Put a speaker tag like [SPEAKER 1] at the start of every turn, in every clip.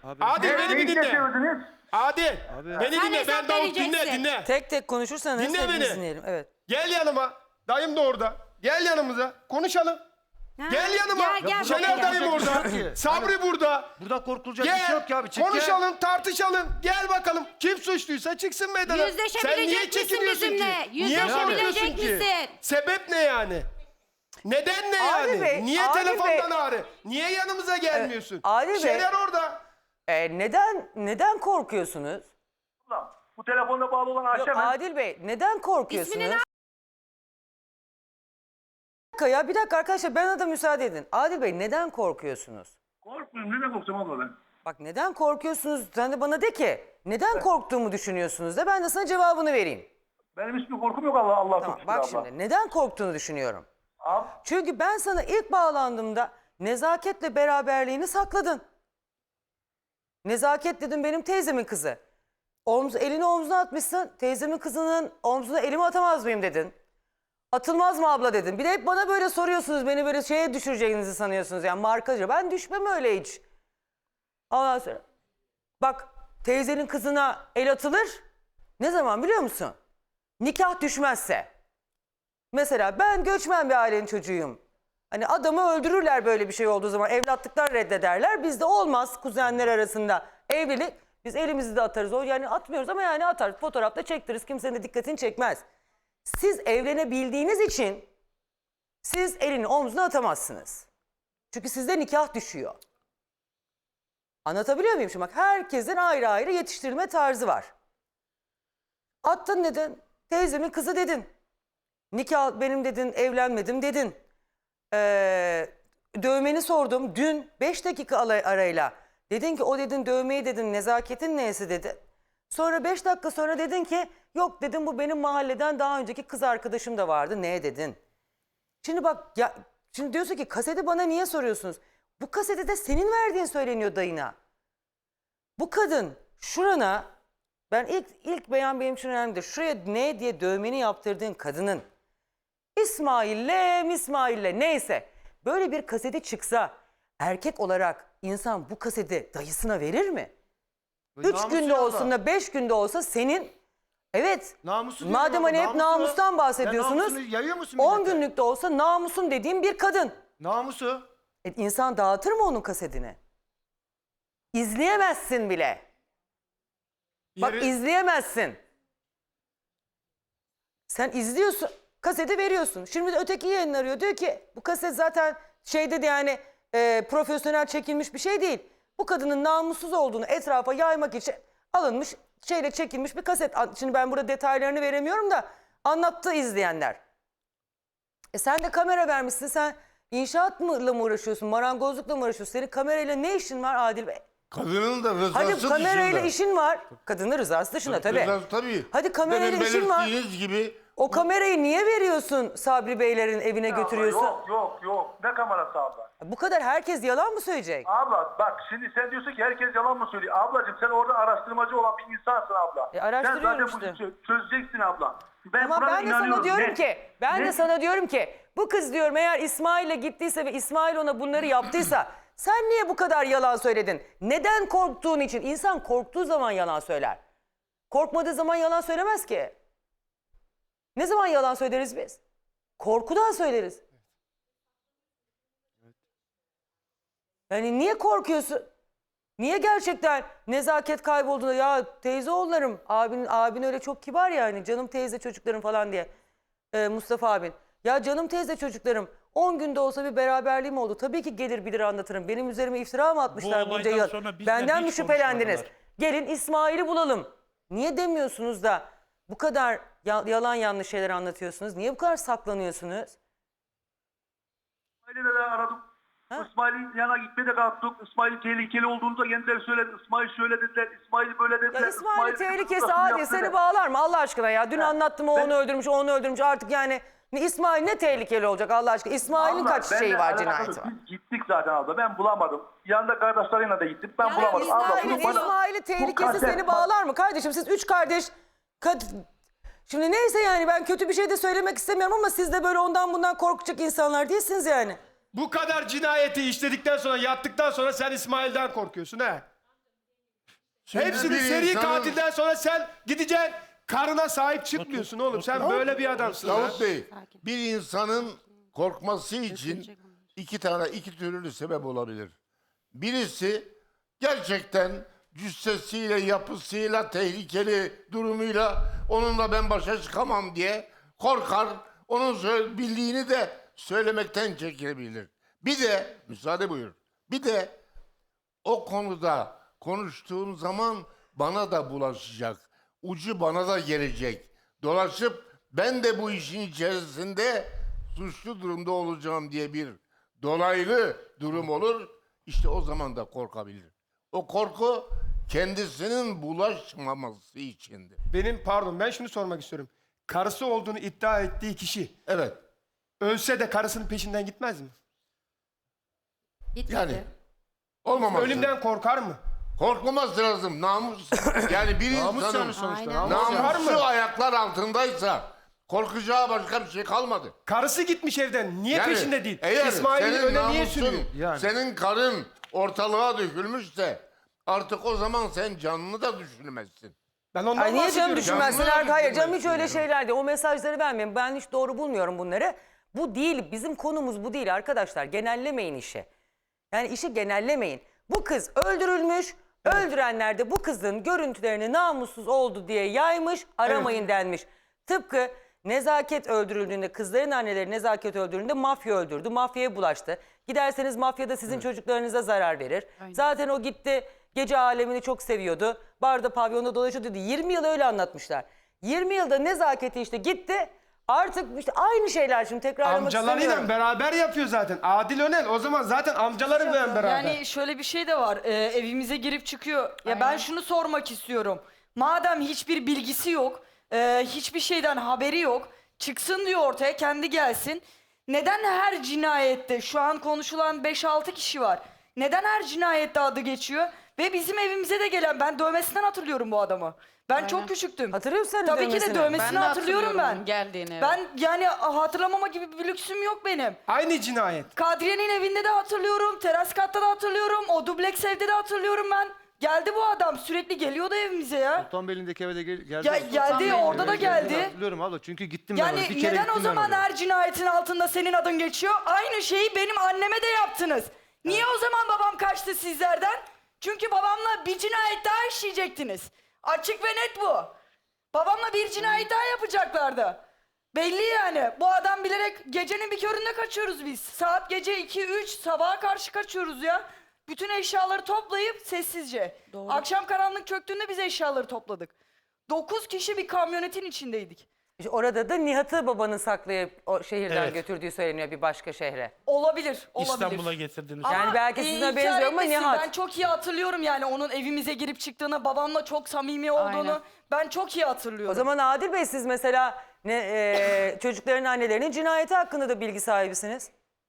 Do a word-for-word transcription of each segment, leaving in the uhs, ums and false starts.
[SPEAKER 1] Abi.
[SPEAKER 2] Adil
[SPEAKER 3] Ne,
[SPEAKER 2] beni
[SPEAKER 3] ne
[SPEAKER 2] bir dinle.
[SPEAKER 3] istiyorsunuz?
[SPEAKER 2] Adil
[SPEAKER 1] Abi.
[SPEAKER 2] beni
[SPEAKER 4] Sen
[SPEAKER 2] dinle. Ben
[SPEAKER 4] hesap
[SPEAKER 2] Davut dinle
[SPEAKER 4] vereceksin.
[SPEAKER 2] dinle.
[SPEAKER 5] Tek tek konuşursanız
[SPEAKER 2] Dinle
[SPEAKER 5] hepimiz
[SPEAKER 2] beni.
[SPEAKER 5] dinleyelim. Evet.
[SPEAKER 2] Gel yanıma. Dayım da orada. Gel yanımıza. Konuşalım.
[SPEAKER 4] Ha,
[SPEAKER 2] Gel yanıma.
[SPEAKER 4] Gel gel.
[SPEAKER 2] Şener
[SPEAKER 4] buraya.
[SPEAKER 2] dayım orada.
[SPEAKER 1] Yok ki.
[SPEAKER 2] Sabri burada.
[SPEAKER 1] Burada korkulacak bir şey
[SPEAKER 2] Gel.
[SPEAKER 1] yok ki abi. Çık
[SPEAKER 2] Konuşalım, tartışalım. Gel bakalım. Kim suçluysa çıksın meydana. Sen niye
[SPEAKER 4] Yüzleşebilecek misin
[SPEAKER 2] çekiniyorsun
[SPEAKER 4] bizimle?
[SPEAKER 2] ki? Niye
[SPEAKER 4] Yüzleşebilecek
[SPEAKER 2] korkuyorsun ki?
[SPEAKER 4] misin?
[SPEAKER 2] Sebep ne yani? Neden ne
[SPEAKER 5] Adil
[SPEAKER 2] yani?
[SPEAKER 5] Bey,
[SPEAKER 2] Niye
[SPEAKER 5] Adil
[SPEAKER 2] telefondan
[SPEAKER 5] Bey.
[SPEAKER 2] ağrı? Niye yanımıza gelmiyorsun?
[SPEAKER 5] Adil Bey.
[SPEAKER 2] Şener orada.
[SPEAKER 5] Ee, neden neden korkuyorsunuz?
[SPEAKER 3] Ulan, bu telefonla bağlı olan
[SPEAKER 5] Yok,
[SPEAKER 3] Ayşe mi?
[SPEAKER 5] Adil Bey neden korkuyorsunuz?
[SPEAKER 4] İsmini ne-
[SPEAKER 5] Bir dakika ya bir dakika arkadaşlar bana da müsaade edin. Adil Bey neden korkuyorsunuz?
[SPEAKER 3] Korkmuyorum. Neden korkacağım abla ben?
[SPEAKER 5] Bak neden korkuyorsunuz? Sen de bana de ki neden korktuğumu düşünüyorsunuz da ben de sana cevabını vereyim.
[SPEAKER 3] Benim hiçbir korkum yok Allah Allah
[SPEAKER 5] Tamam
[SPEAKER 3] çok
[SPEAKER 5] bak
[SPEAKER 3] şükür abla.
[SPEAKER 5] şimdi neden korktuğunu düşünüyorum.
[SPEAKER 3] Abi,
[SPEAKER 5] Çünkü ben sana ilk bağlandığımda nezaketle beraberliğini sakladın. Nezaket dedim benim teyzemin kızı. Omz, elini omzuna atmışsın. Teyzemin kızının omzuna elimi atamaz mıyım dedin. Atılmaz mı abla dedin. Bir de hep bana böyle soruyorsunuz. Beni böyle şeye düşüreceğinizi sanıyorsunuz. Yani markacı. Ben düşmem öyle hiç. Ondan sonra. Bak teyzenin kızına el atılır. Ne zaman biliyor musun? Nikah düşmezse. Mesela ben göçmen bir ailenin çocuğuyum. Hani adamı öldürürler böyle bir şey olduğu zaman. Evlatlıklar reddederler. Bizde olmaz kuzenler arasında evlilik. Biz elimizi de atarız. O yani atmıyoruz ama yani atarız. Fotoğrafta çektiririz. Kimsenin de dikkatini çekmez. Siz evlenebildiğiniz için siz elini omzuna atamazsınız. Çünkü sizde nikah düşüyor. Anlatabiliyor muyum şimdi? Bak herkesin ayrı ayrı yetiştirilme tarzı var. Attın dedin. Teyzemin kızı dedin. Nikah benim dedin, evlenmedim dedin. Ee, dövmeni sordum dün beş dakika arayla. Dedin ki o dedin dövmeyi dedin nezaketin neyse dedi. Sonra beş dakika sonra dedin ki yok dedim bu benim mahalleden daha önceki kız arkadaşım da vardı. Ne dedin? Şimdi bak ya şimdi diyorsun ki kaseti bana niye soruyorsunuz? Bu kaseti de senin verdiğin söyleniyor dayına. Bu kadın şurana ben ilk ilk beyan benim için önemlidir. Şuraya ne diye dövmeni yaptırdığın kadının İsmail'le İsmail'le neyse böyle bir kaseti çıksa erkek olarak insan bu kaseti dayısına verir mi? Üç
[SPEAKER 1] Namusu
[SPEAKER 5] günde
[SPEAKER 1] yok
[SPEAKER 5] olsun
[SPEAKER 1] da.
[SPEAKER 5] da beş günde olsa senin evet
[SPEAKER 1] Namusu diyorum
[SPEAKER 5] madem
[SPEAKER 1] ama
[SPEAKER 5] hani hep
[SPEAKER 1] namusu-
[SPEAKER 5] namustan bahsediyorsunuz
[SPEAKER 1] Ya namusunu yayıyor musun
[SPEAKER 5] on
[SPEAKER 1] millete?
[SPEAKER 5] günlükte olsa namusum dediğim bir kadın.
[SPEAKER 1] Namusu.
[SPEAKER 5] E, insan dağıtır mı onun kasetini? İzleyemezsin bile. Bak
[SPEAKER 2] Yeri-
[SPEAKER 5] izleyemezsin. Sen izliyorsun, kaseti veriyorsun. Şimdi de öteki yayın arıyor. Diyor ki bu kaset zaten şeyde de yani e, profesyonel çekilmiş bir şey değil. Bu kadının namussuz olduğunu etrafa yaymak için alınmış, şeyle çekilmiş bir kaset. Şimdi ben burada detaylarını veremiyorum da anlattı izleyenler. E sen de kamera vermişsin. Sen inşaatla mı uğraşıyorsun, marangozlukla mı uğraşıyorsun? Senin kamerayla ne işin var Adil Bey?
[SPEAKER 6] Kadının da rızası
[SPEAKER 5] Hadi
[SPEAKER 6] dışında.
[SPEAKER 5] kamerayla işin var. Kadının rızası dışında tabii.
[SPEAKER 6] Rızası tabii.
[SPEAKER 5] Hadi kamerayla
[SPEAKER 6] Demin
[SPEAKER 5] işin var.
[SPEAKER 6] belirttiğiniz gibi
[SPEAKER 5] O kamerayı niye veriyorsun Sabri Beylerin evine
[SPEAKER 3] abla,
[SPEAKER 5] götürüyorsun?
[SPEAKER 3] Yok yok yok. Ne kamerası abla?
[SPEAKER 5] Bu kadar herkes yalan mı söyleyecek?
[SPEAKER 3] Abla bak şimdi sen diyorsun ki herkes yalan mı söylüyor? Ablacığım sen orada araştırmacı olan bir insansın abla.
[SPEAKER 5] E, araştırıyorum
[SPEAKER 3] sen zaten
[SPEAKER 5] işte.
[SPEAKER 3] bunu çö- çözeceksin abla. Ben
[SPEAKER 5] Ama
[SPEAKER 3] buna
[SPEAKER 5] ben de sana
[SPEAKER 3] inanıyorum.
[SPEAKER 5] diyorum
[SPEAKER 3] Ne?
[SPEAKER 5] ki, ben
[SPEAKER 3] Ne?
[SPEAKER 5] de sana diyorum ki bu kız diyorum eğer İsmail'e gittiyse ve İsmail ona bunları yaptıysa sen niye bu kadar yalan söyledin? Neden korktuğun için? İnsan korktuğu zaman yalan söyler. Korkmadığı zaman yalan söylemez ki. Ne zaman yalan söyleriz biz? Korkudan söyleriz. Yani niye korkuyorsun? Niye gerçekten nezaket kaybolduğunda ya teyze oğullarım abin, abin öyle çok kibar ya hani canım teyze çocuklarım falan diye ee, Mustafa abin. Ya canım teyze çocuklarım on günde olsa bir beraberliğim oldu. Tabii ki gelir bilir anlatırım. Benim üzerime iftira mı atmışlar bunca
[SPEAKER 7] olaydan
[SPEAKER 5] yıl?
[SPEAKER 7] sonra bizden
[SPEAKER 5] Benden
[SPEAKER 7] hiç
[SPEAKER 5] mi şüphelendiniz?
[SPEAKER 7] konuşmadılar.
[SPEAKER 5] Gelin İsmail'i bulalım. Niye demiyorsunuz da bu kadar ya- yalan yanlış şeyler anlatıyorsunuz? Niye bu kadar saklanıyorsunuz?
[SPEAKER 3] İsmail'i de aradım.
[SPEAKER 5] Ha?
[SPEAKER 3] İsmail'in yanına gitmeye de kalktık. İsmail'in tehlikeli olduğunu da kendileri söyledi. İsmail şöyle dediler, İsmail böyle dediler.
[SPEAKER 5] Ya İsmail'in
[SPEAKER 3] İsmail
[SPEAKER 5] tehlikesi
[SPEAKER 3] kızmasını
[SPEAKER 5] Adil
[SPEAKER 3] yaptı
[SPEAKER 5] seni
[SPEAKER 3] da.
[SPEAKER 5] bağlar mı Allah aşkına ya? Dün anlattım o
[SPEAKER 3] ben-
[SPEAKER 5] onu öldürmüş, o onu öldürmüş. Artık yani ne İsmail ne tehlikeli olacak Allah aşkına? İsmail'in
[SPEAKER 3] Abla,
[SPEAKER 5] kaç
[SPEAKER 3] benle
[SPEAKER 5] şeyi var,
[SPEAKER 3] alakalı
[SPEAKER 5] cinayeti var?
[SPEAKER 3] Biz gittik zaten abla. Ben bulamadım. Yanında kardeşleriyle de gittim. Ben
[SPEAKER 4] Ya
[SPEAKER 3] bulamadım. Abla,
[SPEAKER 5] İsmail'in
[SPEAKER 3] bunu bana-
[SPEAKER 5] İsmail'in
[SPEAKER 3] bu
[SPEAKER 5] tehlikesi
[SPEAKER 3] kaset-
[SPEAKER 5] seni bağlar mı kardeşim? Siz üç kardeş... Kad... Şimdi neyse yani ben kötü bir şey de söylemek istemiyorum ama siz de böyle ondan bundan korkacak insanlar değilsiniz yani.
[SPEAKER 2] Bu kadar cinayeti işledikten sonra, yaptıktan sonra sen İsmail'den korkuyorsun he?
[SPEAKER 4] Şimdi
[SPEAKER 2] Hepsini
[SPEAKER 4] bir
[SPEAKER 2] seri
[SPEAKER 4] insanın-
[SPEAKER 2] katilden sonra sen gideceksin karına sahip çıkmıyorsun oğlum. Sen böyle bir adamsın. ha.
[SPEAKER 4] Davut Bey, bir insanın korkması için iki tane, iki türlü sebep olabilir. Birisi gerçekten cüssesiyle, yapısıyla, tehlikeli durumuyla onunla ben başa çıkamam diye korkar. Onun söyle- bildiğini de söylemekten çekilebilir. Bir de, müsaade buyur, bir de o konuda konuştuğum zaman bana da bulaşacak. Ucu bana da gelecek. Dolaşıp ben de bu işin içerisinde suçlu durumda olacağım diye bir dolaylı durum olur. İşte o zaman da korkabilir. O korku kendisinin bulaşmaması içindir.
[SPEAKER 2] Benim pardon ben şunu sormak istiyorum. Karısı olduğunu iddia ettiği kişi
[SPEAKER 4] Evet.
[SPEAKER 2] ölse de karısının peşinden gitmez mi?
[SPEAKER 6] Gitmedi.
[SPEAKER 4] Yani olmaması.
[SPEAKER 2] Ölümden korkar mı?
[SPEAKER 4] Korkmaması lazım. Namus. Yani bir
[SPEAKER 1] Namus
[SPEAKER 4] insanın
[SPEAKER 1] yani sonuçta.
[SPEAKER 6] Aynen.
[SPEAKER 1] Namus.
[SPEAKER 2] Var
[SPEAKER 4] namusu
[SPEAKER 2] mı?
[SPEAKER 4] ayaklar altındaysa korkacağı başka bir şey kalmadı.
[SPEAKER 2] Karısı gitmiş evden. Niye
[SPEAKER 4] Yani
[SPEAKER 2] peşinde değil?
[SPEAKER 4] eğer
[SPEAKER 2] İsmail'i
[SPEAKER 4] senin
[SPEAKER 2] öne niye
[SPEAKER 4] namusun,
[SPEAKER 2] sürüyor?
[SPEAKER 1] Yani.
[SPEAKER 4] senin karın ortalığa dökülmüşse artık o zaman sen canını da düşünmezsin.
[SPEAKER 2] Ben ondan
[SPEAKER 5] Ay niye canım
[SPEAKER 2] bahsediyorum.
[SPEAKER 5] düşünmezsin?
[SPEAKER 4] Canını
[SPEAKER 5] Hayır, hayır canım hiç
[SPEAKER 4] düşünmezsin
[SPEAKER 5] öyle
[SPEAKER 4] ya.
[SPEAKER 5] şeyler değil. O mesajları vermeyin. Ben hiç doğru bulmuyorum bunları. Bu değil. Bizim konumuz bu değil arkadaşlar. Genellemeyin işi. Yani işi genellemeyin. Bu kız öldürülmüş. Öldürenler de bu kızın görüntülerini namussuz oldu diye yaymış. Aramayın denmiş. Tıpkı Nezaket öldürüldüğünde, kızların anneleri Nezaket öldürüldüğünde mafya öldürdü. Mafyaya bulaştı. Giderseniz mafya da sizin çocuklarınıza zarar verir. Zaten o gitti gece alemini çok seviyordu. Barda pavyonda dolaşıyordu. yirmi yıl öyle anlatmışlar. yirmi yılda Nezaketi işte gitti. Artık işte aynı şeyler şimdi tekrarlamak istemiyorum.
[SPEAKER 2] Amcalarıyla beraber yapıyor zaten. Adil Önel o zaman zaten amcalarıyla beraber.
[SPEAKER 7] Yani şöyle bir şey de var. Ee, evimize girip çıkıyor. Ya ben şunu sormak istiyorum. Madem hiçbir bilgisi yok, e, hiçbir şeyden haberi yok, çıksın diyor ortaya, kendi gelsin. Neden her cinayette şu an konuşulan beş altı kişi var? Neden her cinayette adı geçiyor? Ve bizim evimize de gelen, ben dövmesinden hatırlıyorum bu adamı. Ben çok küçüktüm.
[SPEAKER 5] Hatırlıyor musun sen
[SPEAKER 7] Tabii ki de
[SPEAKER 5] dövmesini?
[SPEAKER 7] dövmesini
[SPEAKER 6] Ben de
[SPEAKER 7] hatırlıyorum ben.
[SPEAKER 6] hatırlıyorum geldiğini.
[SPEAKER 7] Ben yani hatırlamama gibi bir lüksüm yok benim.
[SPEAKER 2] Aynı cinayet.
[SPEAKER 7] Kadriye'nin evinde de hatırlıyorum, teras katta da hatırlıyorum, o dubleks evde de hatırlıyorum ben. Geldi bu adam, sürekli geliyordu evimize ya.
[SPEAKER 1] Sultanbeyli'ndeki eve de gel- geldi.
[SPEAKER 7] Ya- geldi,
[SPEAKER 1] Sultanbeyli'ndeki
[SPEAKER 7] orada
[SPEAKER 1] eve
[SPEAKER 7] da geldi.
[SPEAKER 1] Hatırlıyorum abla çünkü gittim ben oraya.
[SPEAKER 7] Yani
[SPEAKER 1] Bir kere
[SPEAKER 7] neden o
[SPEAKER 1] gittim ben
[SPEAKER 7] zaman
[SPEAKER 1] oraya.
[SPEAKER 7] her cinayetin altında senin adın geçiyor? Aynı şeyi benim anneme de yaptınız. Niye o zaman babam kaçtı sizlerden? Çünkü babamla bir cinayet daha işleyecektiniz. Açık ve net bu. Babamla bir cinayet daha yapacaklardı. Belli yani. Bu adam bilerek gecenin bir köründe kaçıyoruz biz. Saat gece iki üç sabaha karşı kaçıyoruz ya. Bütün eşyaları toplayıp sessizce. Akşam karanlık çöktüğünde biz eşyaları topladık. Dokuz kişi bir kamyonetin içindeydik.
[SPEAKER 5] İşte orada da Nihat'ı babanın saklayıp o şehirden
[SPEAKER 8] Evet.
[SPEAKER 5] götürdüğü söyleniyor bir başka şehre.
[SPEAKER 7] Olabilir, olabilir.
[SPEAKER 8] İstanbul'a getirdiniz.
[SPEAKER 7] Ama
[SPEAKER 5] Yani belki sizin
[SPEAKER 7] inkar
[SPEAKER 5] haberiniz yok ama
[SPEAKER 7] etmesin.
[SPEAKER 5] Nihat.
[SPEAKER 7] Ben çok iyi hatırlıyorum yani onun evimize girip çıktığını, babamla çok samimi olduğunu.
[SPEAKER 6] Aynen.
[SPEAKER 7] Ben çok iyi hatırlıyorum.
[SPEAKER 5] O zaman Adil Bey siz mesela ne, e, çocukların annelerinin cinayeti hakkında da bilgi sahibisiniz.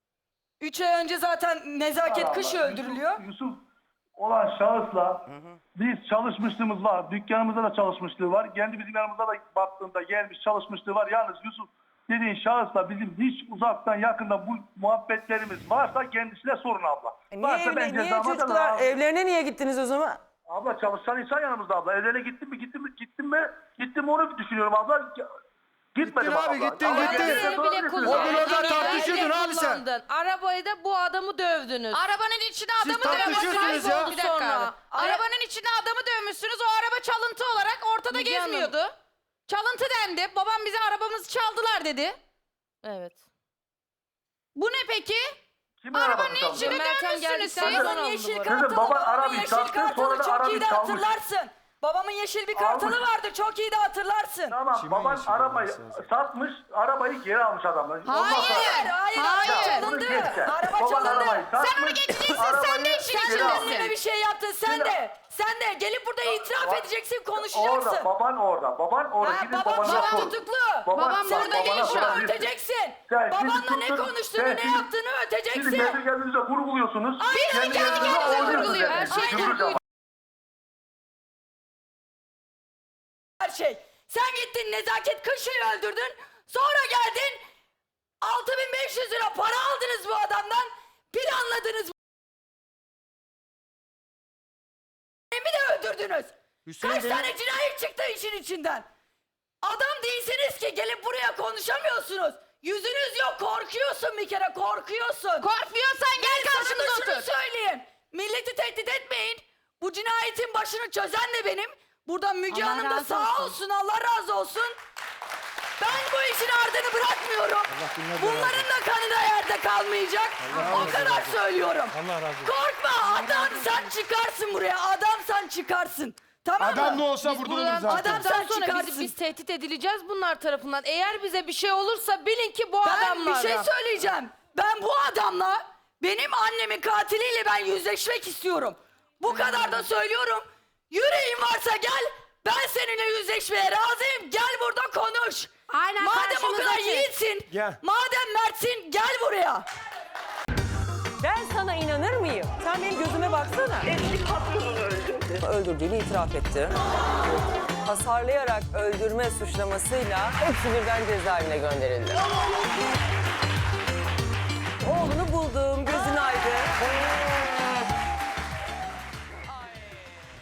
[SPEAKER 7] Üç ay önce zaten Nezaket Kış
[SPEAKER 3] Allah,
[SPEAKER 7] öldürülüyor.
[SPEAKER 3] Yusuf, Yusuf olan şahısla biz çalışmışlığımız var. Dükkanımızda da çalışmışlığı var. Kendi bizim yanımıza da baktığında gelmiş çalışmışlığı var. Yalnız Yusuf dediğin şahısla bizim hiç uzaktan yakında bu muhabbetlerimiz varsa kendisine sorun abla.
[SPEAKER 5] E niye,
[SPEAKER 3] varsa
[SPEAKER 5] evle-
[SPEAKER 3] ben
[SPEAKER 5] niye
[SPEAKER 3] cezamı alırım
[SPEAKER 5] çocuklar
[SPEAKER 3] abi.
[SPEAKER 5] evlerine niye gittiniz o zaman?
[SPEAKER 3] Abla çalışan insan yanımızda abla. Evlerine gittim mi gittim mi gittim mi gittim mi onu düşünüyorum abla. Gitmedim
[SPEAKER 1] Gittin abi,
[SPEAKER 3] abla.
[SPEAKER 1] gittin,
[SPEAKER 3] Ama
[SPEAKER 1] gittin.
[SPEAKER 3] kendisine
[SPEAKER 6] Arabayı bile
[SPEAKER 3] sorabilirsiniz.
[SPEAKER 6] kullandın.
[SPEAKER 1] O gün orada
[SPEAKER 6] Arabayı
[SPEAKER 1] tartışıyordun
[SPEAKER 6] bile
[SPEAKER 1] abi sen.
[SPEAKER 6] kullandın. Arabayı da bu adamı dövdünüz.
[SPEAKER 9] Arabanın içine
[SPEAKER 1] Siz
[SPEAKER 9] adamı
[SPEAKER 1] tartışıyorsunuz
[SPEAKER 9] dövmüşsünüz.
[SPEAKER 1] ya.
[SPEAKER 9] Bir dakika
[SPEAKER 6] Sonra.
[SPEAKER 9] abi. Arabanın içine adamı dövmüşsünüz. O araba çalıntı olarak ortada
[SPEAKER 6] Müge Hanım.
[SPEAKER 9] gezmiyordu. Çalıntı dendi. Babam bize arabamızı çaldılar dedi.
[SPEAKER 6] Evet.
[SPEAKER 9] Bu ne peki?
[SPEAKER 3] Kimin
[SPEAKER 9] Arabanın
[SPEAKER 3] arabası çaldı?
[SPEAKER 9] içine
[SPEAKER 6] Mertem
[SPEAKER 9] dövmüşsünüz
[SPEAKER 6] geldikten
[SPEAKER 9] siz.
[SPEAKER 6] sonra
[SPEAKER 7] Babamın
[SPEAKER 6] alındı
[SPEAKER 7] yeşil
[SPEAKER 6] bu arada.
[SPEAKER 7] kartalı,
[SPEAKER 3] Kızım, baban
[SPEAKER 7] babamın
[SPEAKER 3] arabayı
[SPEAKER 7] yeşil
[SPEAKER 3] sattı,
[SPEAKER 7] kartalı
[SPEAKER 3] sonra da
[SPEAKER 7] çok iyi
[SPEAKER 3] arabayı
[SPEAKER 7] de
[SPEAKER 3] çalmış.
[SPEAKER 7] hatırlarsın. Babamın yeşil bir kartalı
[SPEAKER 3] Almış.
[SPEAKER 7] vardı, çok iyi de hatırlarsın.
[SPEAKER 3] Tamam
[SPEAKER 2] Kimin
[SPEAKER 3] baban
[SPEAKER 2] işi
[SPEAKER 3] arabayı
[SPEAKER 2] olması lazım?
[SPEAKER 3] satmış, arabayı geri almış adamlar. Ondan
[SPEAKER 9] Hayır.
[SPEAKER 3] sonra-
[SPEAKER 7] Hayır,
[SPEAKER 9] Hayır.
[SPEAKER 7] araba
[SPEAKER 3] Bunu
[SPEAKER 7] çalındı.
[SPEAKER 3] geç sen.
[SPEAKER 7] Araba
[SPEAKER 3] Baban
[SPEAKER 7] çalındı.
[SPEAKER 3] arabayı satmış,
[SPEAKER 9] Sen onu geçeceksin, sen de
[SPEAKER 3] arabayı
[SPEAKER 9] işin
[SPEAKER 3] geri
[SPEAKER 9] içindesin.
[SPEAKER 3] almış.
[SPEAKER 7] Kendine bir şey yaptın sen
[SPEAKER 3] Şimdi-
[SPEAKER 7] de. Sen de gelip burada itiraf
[SPEAKER 3] Bak-
[SPEAKER 7] edeceksin, konuşacaksın.
[SPEAKER 3] Orada, baban orada, baban orada.
[SPEAKER 7] Ha,
[SPEAKER 3] Gidin
[SPEAKER 7] babam
[SPEAKER 3] babanına
[SPEAKER 7] babam
[SPEAKER 3] sor.
[SPEAKER 7] tutuklu.
[SPEAKER 9] Babam
[SPEAKER 7] Sen
[SPEAKER 9] burada
[SPEAKER 7] de
[SPEAKER 9] değil
[SPEAKER 7] gelip
[SPEAKER 9] şu
[SPEAKER 7] burada
[SPEAKER 9] an.
[SPEAKER 7] öteceksin.
[SPEAKER 3] Sen
[SPEAKER 7] Babanla
[SPEAKER 3] şimdi
[SPEAKER 7] ne
[SPEAKER 3] tuttun,
[SPEAKER 7] konuştuğunu,
[SPEAKER 3] sen
[SPEAKER 7] ne
[SPEAKER 3] şimdi-
[SPEAKER 7] yaptığını
[SPEAKER 3] Şimdi
[SPEAKER 7] öteceksin.
[SPEAKER 3] kendi kendinize vurguluyorsunuz.
[SPEAKER 9] Aynen, kendi
[SPEAKER 3] kendinize
[SPEAKER 9] kendinize
[SPEAKER 3] oynuyorsunuz
[SPEAKER 9] vurguluyor.
[SPEAKER 3] yani.
[SPEAKER 9] Her şey
[SPEAKER 3] Yumruk
[SPEAKER 9] vurguluyor.
[SPEAKER 3] yapar.
[SPEAKER 7] Her şey. Sen gittin Nezaket Kışı'yı öldürdün. Sonra geldin altı bin beş yüz lira para aldınız bu adamdan. Planladınız. Bir de öldürdünüz. dövdünüz?
[SPEAKER 1] Hüseyin
[SPEAKER 7] Kaç
[SPEAKER 1] de-
[SPEAKER 7] tane cinayet çıktı işin içinden? Adam değilsiniz ki gelip buraya konuşamıyorsunuz. Yüzünüz yok, korkuyorsun bir kere, korkuyorsun.
[SPEAKER 9] Korkmuyorsan gel
[SPEAKER 7] Sana da
[SPEAKER 9] karşımıza
[SPEAKER 7] şunu
[SPEAKER 9] otur.
[SPEAKER 7] söyleyeyim. Milleti tehdit etmeyin. Bu cinayetin başını çözen de benim. Burada Müge
[SPEAKER 9] Allah
[SPEAKER 7] Hanım da
[SPEAKER 9] razı
[SPEAKER 7] sağ
[SPEAKER 9] olsun.
[SPEAKER 7] olsun, Allah razı olsun. Ben bu işin ardını bırakmıyorum. Bunların da kanı da yerde kalmayacak. O kadar söylüyorum.
[SPEAKER 2] Allah razı olsun.
[SPEAKER 7] Korkma, adam sen çıkarsın buraya. Adam sen çıkarsın. Tamam mı?
[SPEAKER 2] Adam ne olsa
[SPEAKER 6] Biz
[SPEAKER 2] vurdurulur
[SPEAKER 6] buradan
[SPEAKER 2] zaten.
[SPEAKER 7] Adam-
[SPEAKER 6] çıktıktan
[SPEAKER 7] sen
[SPEAKER 6] sonra
[SPEAKER 7] çıkarsın.
[SPEAKER 6] biz, biz tehdit edileceğiz bunlar tarafından. Eğer bize bir şey olursa bilin ki bu
[SPEAKER 7] Ben
[SPEAKER 6] adamlar.
[SPEAKER 7] bir şey söyleyeceğim. Ben bu adamla, benim annemin katiliyle ben yüzleşmek istiyorum. Bu kadar da söylüyorum. Yüreğin varsa gel. Ben seninle yüzleşmeye razıyım. Gel burada konuş.
[SPEAKER 9] Aynen,
[SPEAKER 7] Madem o
[SPEAKER 9] karşımıza
[SPEAKER 7] kadar
[SPEAKER 9] çık.
[SPEAKER 7] yiğitsin.
[SPEAKER 2] Gel.
[SPEAKER 7] Madem mertsin gel buraya.
[SPEAKER 5] Ben sana inanır mıyım? Sen benim gözüme baksana.
[SPEAKER 8] Eski patronunu öldürdü.
[SPEAKER 5] Öldürdüğünü itiraf etti. Hasarlayarak öldürme suçlamasıyla hepsi birden cezaevine gönderildi.